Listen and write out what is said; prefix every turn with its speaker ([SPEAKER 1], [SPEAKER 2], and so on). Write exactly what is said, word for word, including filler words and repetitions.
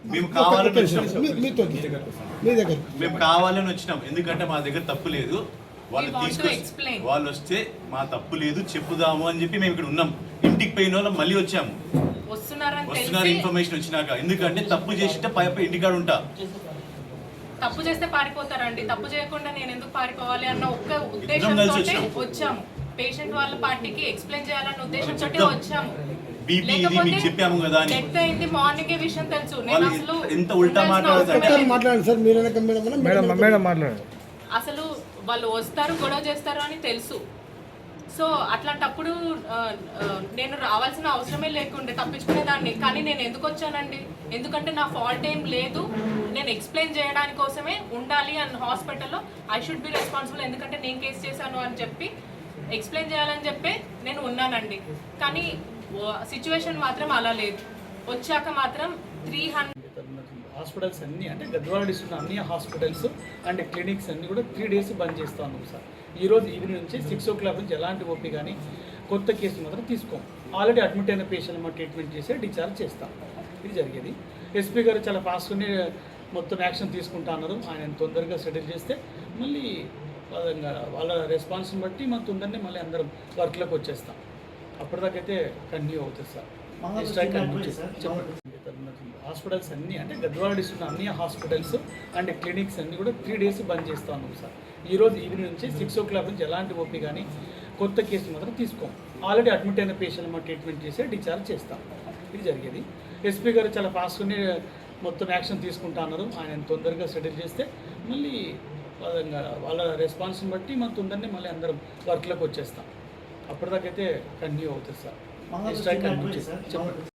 [SPEAKER 1] మేము కావాలని వచ్చినాం
[SPEAKER 2] మీతో మీ దగ్గర
[SPEAKER 1] మేము కావాలని వచ్చినాం ఎందుకంటే మా దగ్గర తప్పు లేదు. వాళ్ళు తీసుకొచ్చి వాళ్ళు వస్తే మా తప్పు లేదు చెప్పుదాము అని చెప్పి మేము ఇక్కడ ఉన్నాం. ఇంటికి పోయిన వాళ్ళం మళ్ళీ వచ్చాము. వస్తున్నారు ఇన్ఫర్మేషన్ వచ్చినాక. ఎందుకంటే తప్పు చేసింటే పై పై ఇంటికాడ ఉంటా.
[SPEAKER 3] తప్పు చేస్తే పారిపోతారండి. తప్పు చేయకుండా నేను ఎందుకు పారిపోవాలి అన్న ఒక్క ఉద్దేశంతో వచ్చాము. పేషెంట్ వాళ్ళ పార్టీకి ఎక్స్ప్లెయిన్ చేయాలన్న ఉద్దేశంతో వచ్చాము.
[SPEAKER 1] బీపీ ఇది మీకు చెప్పాము కదా అని.
[SPEAKER 3] డెత్ అయింది మార్నింగ్ విషయం తెలుసు. నేను అసలు
[SPEAKER 1] ఎంత ఉల్టా మాట్లాడుతారు.
[SPEAKER 2] మాట్లాడండి సార్, మీరు మేడం మేడం మాట్లాడండి.
[SPEAKER 3] అసలు వాళ్ళు వస్తారు గొడవ చేస్తారు అని తెలుసు. సో అట్లాంటప్పుడు నేను రావాల్సిన అవసరమే లేకుండే, తప్పించుకునేదాన్ని. కానీ నేను ఎందుకు వచ్చానండి? ఎందుకంటే నా ఫాల్ట్ ఏం లేదు. నేను ఎక్స్ప్లెయిన్ చేయడానికి కోసమే ఉండాలి అని హాస్పిటల్లో ఐ షుడ్ బి రెస్పాన్సిబుల్. ఎందుకంటే నేను కేసు చేశాను అని చెప్పి ఎక్స్ప్లెయిన్ చేయాలని చెప్పి నేను ఉన్నానండి. కానీ సిచ్యువేషన్ మాత్రం అలా లేదు. వచ్చాక మాత్రం త్రీ హండ్రెడ్
[SPEAKER 4] హాస్పిటల్స్ అన్నీ అంటే గద్వాల డిస్ట్రిక్ట్ అన్ని హాస్పిటల్స్ అండ్ క్లినిక్స్ అన్నీ కూడా త్రీ డేస్ బంద్ చేస్తూ ఉన్నాం సార్. ఈరోజు ఈవినింగ్ నుంచి సిక్స్ ఓ క్లాక్ నుంచి ఎలాంటి ఓపీ కానీ కొత్త కేసులు మాత్రం తీసుకోం. ఆల్రెడీ అడ్మిట్ అయిన పేషెంట్ మనం ట్రీట్మెంట్ చేసి డిశ్చార్జ్ చేస్తాం. ఇది జరిగేది. ఎస్పీ గారు చాలా ఫాస్ట్గానే మొత్తం యాక్షన్ తీసుకుంటా అన్నారు. ఆయన తొందరగా సెటిల్ చేస్తే మళ్ళీ వాళ్ళ రెస్పాన్స్ని బట్టి మనం తొందరనే మళ్ళీ అందరం వర్క్లోకి వచ్చేస్తాం. అప్పటిదాకైతే కంటిన్యూ అవుతుంది సార్. స్ట్రైక్ చెప్పండి. హాస్పిటల్స్ అన్నీ అంటే గద్వాల డిస్ట్రిక్ట్ అన్ని హాస్పిటల్స్ అండ్ క్లినిక్స్ అన్నీ కూడా త్రీ డేస్ బంద్ చేస్తూ ఉన్నాం సార్. ఈరోజు ఈవినింగ్ నుంచి సిక్స్ ఓ క్లాక్ నుంచి ఎలాంటి ఓపీ కానీ కొత్త కేసులు మాత్రం తీసుకోం. ఆల్రెడీ అడ్మిట్ అయిన పేషెంట్ మనం ట్రీట్మెంట్ చేసి డిశ్చార్జ్ చేస్తాం. ఇది జరిగేది. ఎస్పీ గారు చాలా ఫాస్ట్గానే మొత్తం యాక్షన్ తీసుకుంటా అన్నారు. ఆయన తొందరగా సెటిల్ చేస్తే మళ్ళీ వాళ్ళ రెస్పాన్స్ని బట్టి మనం తొందరనే మళ్ళీ అందరం వర్క్లోకి వచ్చేస్తాం. అప్పటిదాకైతే కంటిన్యూ అవుతుంది సార్. స్ట్రైక్ చెప్పండి.